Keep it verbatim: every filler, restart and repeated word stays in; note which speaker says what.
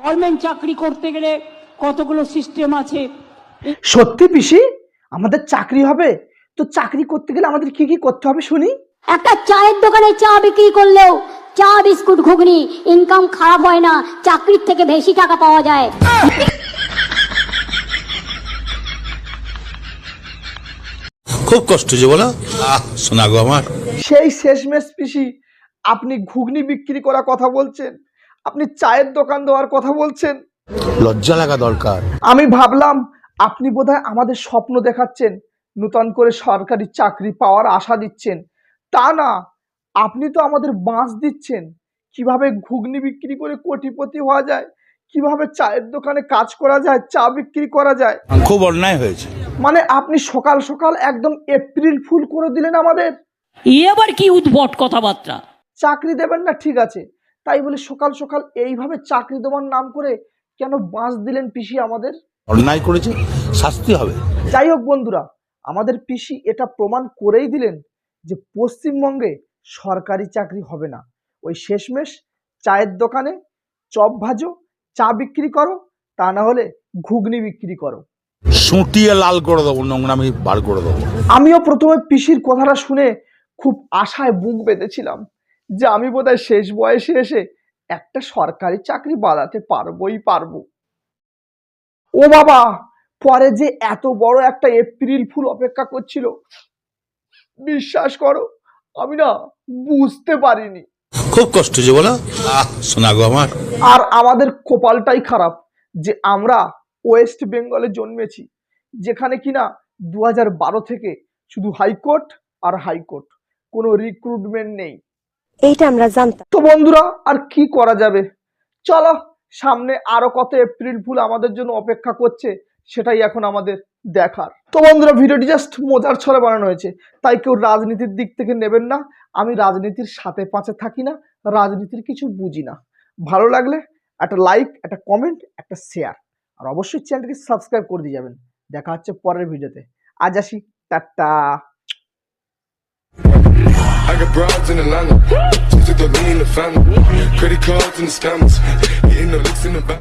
Speaker 1: Government চাকরি করতে গেলে কতগুলো সিস্টেম আছে।
Speaker 2: সত্যি পিসি আমাদের চাকরি হবে? তো চাকরি করতে গেলে আমাদের কি কি করতে হবে শুনি।
Speaker 3: একটা চায়ের দোকানে চা বিক্রি করলেও চা বিস্কুট ঘুগনি ইনকাম খারাপ হয় না, চাকরির থেকে বেশি টাকা পাওয়া যায়।
Speaker 4: খুব কষ্ট যে বলো, আহ শোনা গো আমার।
Speaker 2: সেই শেষমেশ পিসি আপনি ঘুগনি বিক্রি করার কথা বলছেন, আপনি চায়ের দোকান দেওয়ার কথা বলছেন।
Speaker 4: লজ্জা লাগা দরকার।
Speaker 2: আমি ভাবলাম আপনি বোধহয় আমাদের স্বপ্ন দেখাচ্ছেন, নতুন করে সরকারি চাকরি পাওয়ার আশা দিচ্ছেন। তা না, আপনি তো আমাদের বাঁশ দিচ্ছেন কিভাবে ঘুগনি বিক্রি করে কোটিপতি হওয়া যায়, কিভাবে চায়ের দোকানে কাজ করা যায়, চা বিক্রি করা যায়।
Speaker 4: খুব অন্যায় হয়েছে।
Speaker 2: মানে আপনি সকাল সকাল একদম এপ্রিল ফুল করে দিলেন আমাদের।
Speaker 1: এবার কি উদ্ভট কথাবার্তা।
Speaker 2: চাকরি দেবেন না ঠিক আছে, তাই বলে সকাল সকাল এইভাবে চাকরি দেওয়ার নাম করে কেন বাঁশ দিলেন পিসি আমাদের?
Speaker 4: অন্যায় করেছে, শাস্তি হবে।
Speaker 2: যাই হোক বন্ধুরা, আমাদের পিসি এটা প্রমাণ করেই দিলেন যে পশ্চিমবঙ্গে সরকারি চাকরি হবে না। ওই শেষমেশ চায়ের দোকানে চপ ভাজো, চা বিক্রি করো, তা না হলে ঘুগনি বিক্রি করো।
Speaker 4: সুটিয়ে লাল করে দেবো, নোংরামি বার করে দেবো।
Speaker 2: আমিও প্রথমে পিসির কথাটা শুনে খুব আশায় বুক বেঁধেছিলাম যে আমি বোধহয় শেষ বয়সে এসে একটা সরকারি চাকরি বাড়াতে পারবোই পারবো। ও বাবা, পরে যে এত বড় একটা এপ্রিল ফুল অপেক্ষা করছিল, বিশ্বাস করো আমি না বুঝতে পারিনি।
Speaker 4: খুব কষ্ট যে বলো, আহ শোনা গো আমার।
Speaker 2: আর আমাদের কপালটাই খারাপ যে আমরা ওয়েস্ট বেঙ্গলে জন্মেছি, যেখানে কিনা দু হাজার বারো থেকে শুধু হাইকোর্ট আর হাইকোর্ট, কোনো রিক্রুটমেন্ট নেই।
Speaker 5: এইটা আমরা জানতাম।
Speaker 2: তো বন্ধুরা আর কি করা যাবে, চলো সামনে আরো কত এপ্রিল ফুল আমাদের জন্য অপেক্ষা করছে সেটাই এখন আমাদের দেখার। তো বন্ধুরা ভিডিওটি জাস্ট মজার ছলে বানানো হয়েছে, তাই কেউ রাজনীতির দিক থেকে নেবেন না। আমি রাজনীতির সাথে পাঁচে থাকি না, রাজনীতির কিছু বুঝি না। ভালো লাগলে একটা লাইক, একটা কমেন্ট, একটা শেয়ার, আর অবশ্যই চ্যানেলটিকে সাবস্ক্রাইব করে দিয়ে যাবেন। দেখা হচ্ছে পরের ভিডিওতে। আজ আসি, tata.
Speaker 6: I got broads in Atlanta, just to throw me in the family. Credit cards and the scammers, hitting the licks in the back.